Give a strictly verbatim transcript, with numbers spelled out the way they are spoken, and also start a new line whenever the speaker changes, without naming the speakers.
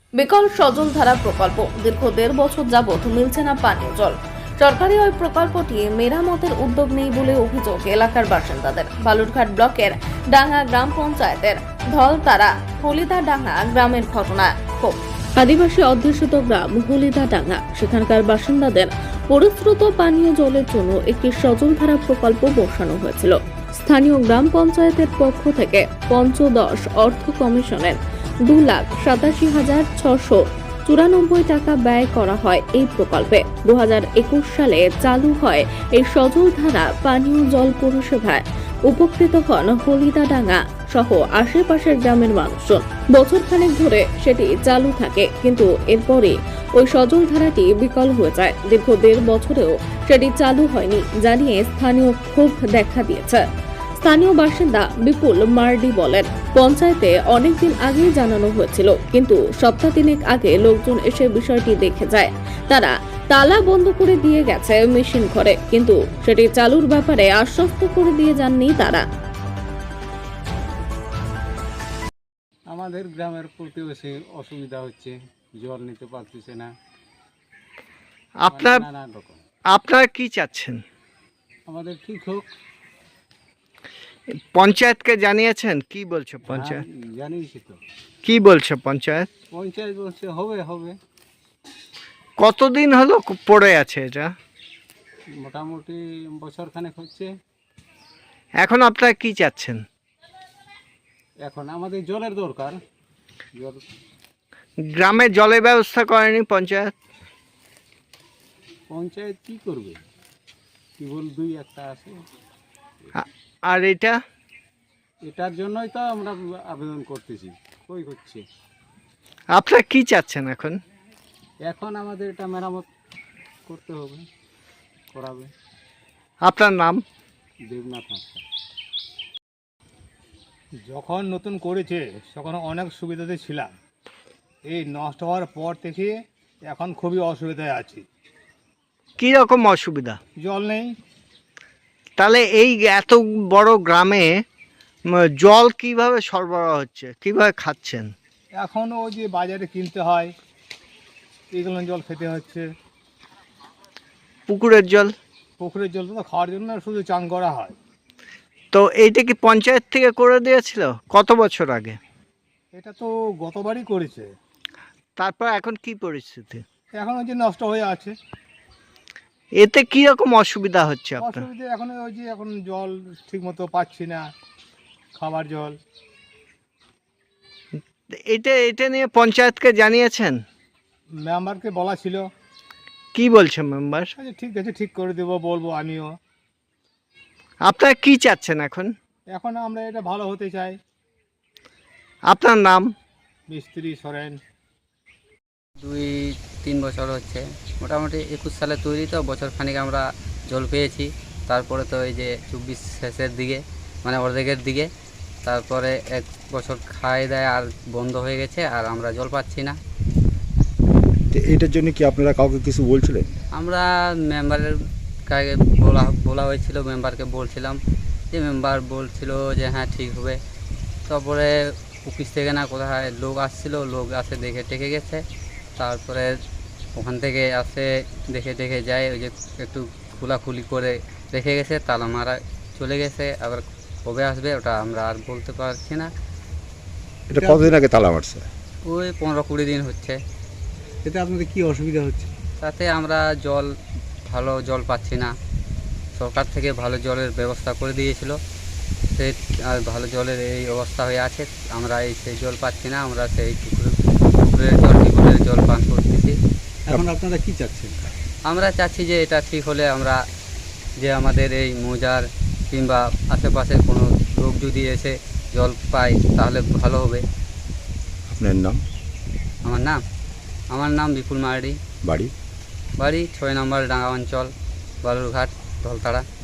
বিকল সজলধারা প্রকল্প দীর্ঘ দেড় বছর যাবৎ মিলছে না পানীয় জল। সরকারি ওই প্রকল্পটি মেরামতের উদ্যোগ নেই বলে অভিযোগ এলাকার বাসিন্দাদের। বালুরঘাট ব্লকের ডাঙ্গা গ্রাম পঞ্চায়েতের ধলতারা হলিদাডাঙ্গা গ্রামের ঘটনা। খুব আদিবাসী অধ্যুষিত গ্রাম হলিদাডাঙ্গা, সেখানকার বাসিন্দাদের পরিশ্রুত পানীয় জলের জন্য একটি সজলধারা প্রকল্প বসানো হয়েছিল। স্থানীয় গ্রাম পঞ্চায়েতের পক্ষ থেকে পঞ্চদশ অর্থ কমিশনের দু লাখ সাতাশি হাজার ছশো চুরানব্বই টাকা ব্যয় করা হয় এই প্রকল্পে। দু হাজার একুশ সালে চালু হয় এই সজলধারা পানীয় জল পরিষেবায়। উপকৃত হন হলিদাডাঙ্গা সহ আশেপাশের গ্রামের মানুষজন। বছর খানেক ধরে সেটি চালু থাকে, কিন্তু এরপরে ওই সজলধারাটি বিকল হয়ে যায়। দীর্ঘ দেড় বছরেও সেটি চালু হয়নি জানিয়ে স্থানীয় ক্ষোভ দেখা দিয়েছে। স্থানীয় বাসিন্দা বিপুল মার্ডি বলেন, পঞ্চায়েতে অনেকদিন আগেই জানানো হয়েছিল, কিন্তু সপ্তাহ তিনেক আগে লোকজন এসে বিষয়টি দেখে যায়। তারা তালা বন্ধ করে দিয়ে গেছে মেশিন ঘরে, কিন্তু সেটি চালুর ব্যাপারে আশ্বস্ত করে দিয়ে যাননি তারা।
আমাদের গ্রামের প্রতিবেশী অসুবিধা হচ্ছে, জল নিতে পারতেছে না।
আপনার
নানান রকম
আপনারা কি চাচ্ছেন?
আমাদের ঠিক হোক।
পঞ্চায়েতকে জানিয়েছেন? কি বলছে পঞ্চায়েত?
হ্যাঁ, জানিয়েছি তো।
কি বলছে পঞ্চায়েত?
পঞ্চায়েত বলছে হবে হবে
কতদিন হলো পড়ে আছে এটা?
মোটামুটি বছর খানেক হচ্ছে।
এখন আপনারা কি চাচ্ছেন?
এখন আমাদের জলের দরকার। জল
গ্রামে জলের ব্যবস্থা করেনি পঞ্চায়েত?
পঞ্চায়েত কি করবে, কেবল দুই একটা আছে।
আ- আর এটা
এটার জন্যই তো আমরা আবেদন করতেছি, কই হচ্ছে।
আপনারা কি চাচ্ছেন এখন?
এখন আমাদের এটা মেরামত করতে হবে, করাবে।
আপনার নাম?
দেবনাথ হাঁসদা। যখন নতুন করেছে তখন অনেক সুবিধাতে ছিলাম। এই নষ্ট হওয়ার পর থেকে এখন খুবই অসুবিধায় আছি।
কি রকম অসুবিধা?
জল নেই।
তাহলে এই এত বড় গ্রামে উম, জল কিভাবে সরবরাহ হচ্ছে, কিভাবে খাচ্ছেন?
এখন ওই যে বাজারে কিনতে হয়, এইগুলো জল খেতে হচ্ছে।
পুকুরের জল?
পুকুরের জল তো খাওয়ার জন্য শুধু চান করা হয়।
তো এইটা কি পঞ্চায়েত থেকে করে দিয়েছিল কত বছর আগে?
এটা তো গতবারই করেছে।
তারপর এখন কি পরিস্থিতি?
এখন ওই যে নষ্ট হয়ে আছে।
এতে কি রকম অসুবিধা হচ্ছে আপনার?
অসুবিধা এখন ওই যে এখন জল ঠিক মতো পাচ্ছি না, খাবার জল।
এটা এটা নিয়ে পঞ্চায়েতকে জানিয়েছেন?
মেম্বারকে বলা ছিল।
কি বলছে মেম্বার?
আচ্ছা ঠিক আছে, ঠিক করে দেবো বলবো আমিও।
আপনারা কি চাচ্ছেন এখন?
এখন আমরা এটা ভালো হতে চাই।
আপনার নাম?
মিস্ত্রি সরেন।
দুই তিন বছর হচ্ছে, মোটামুটি একুশ সালে তৈরি, তো বছর খানিক আমরা জল পেয়েছি। তারপরে তো এই যে চব্বিশ শেষের দিকে, মানে অর্ধেকের দিকে, তারপরে এক বছর খাই দেয় আর বন্ধ হয়ে গেছে, আর আমরা জল পাচ্ছি না।
তো এইটার জন্য কি আপনারা কাউকে কিছু বলছিলেন?
আমরা মেম্বারের কাছে বলা বলা হয়েছিল, মেম্বারকে বলছিলাম, যে মেম্বার বলছিল যে হ্যাঁ ঠিক হবে। তারপরে অফিস থেকে না কোথায় লোক আসছিল, লোক আসে দেখে টেকে গেছে। তারপরে ওখান থেকে আসে দেখে দেখে যায়, ওই যে একটু খোলাখুলি করে রেখে গেছে, তালা মারা চলে গেছে। আবার কবে আসবে ওটা আমরা আর বলতে পারছি না।
এটা কতদিন আগে তালা মারছে?
ওই পনেরো কুড়ি দিন হচ্ছে।
এতে আপনাদের কি অসুবিধা হচ্ছে?
তাতে আমরা জল ভালো জল পাচ্ছি না। সরকার থেকে ভালো জলের ব্যবস্থা করে দিয়েছিল, সেই আর ভালো জলের এই অবস্থা হয়ে আছে। আমরা এই সেই জল পাচ্ছি না, আমরা সেই পুকুরের পুকুরের জল টিউবওয়েলের জল পান করতেছি।
এখন আপনারা কি চাচ্ছেন?
আমরা চাচ্ছি যে এটা ঠিক হলে আমরা, যে আমাদের এই মৌজার কিংবা আশেপাশের কোনো লোক যদি এসে জল পায় তাহলে ভালো হবে।
আপনার নাম?
আমার নাম আমার নাম বিপুল মার্ডি।
বাড়ি?
বাড়ি ছয় নম্বর ডাঙ্গা অঞ্চল, বালুরঘাট, ধলতাড়া।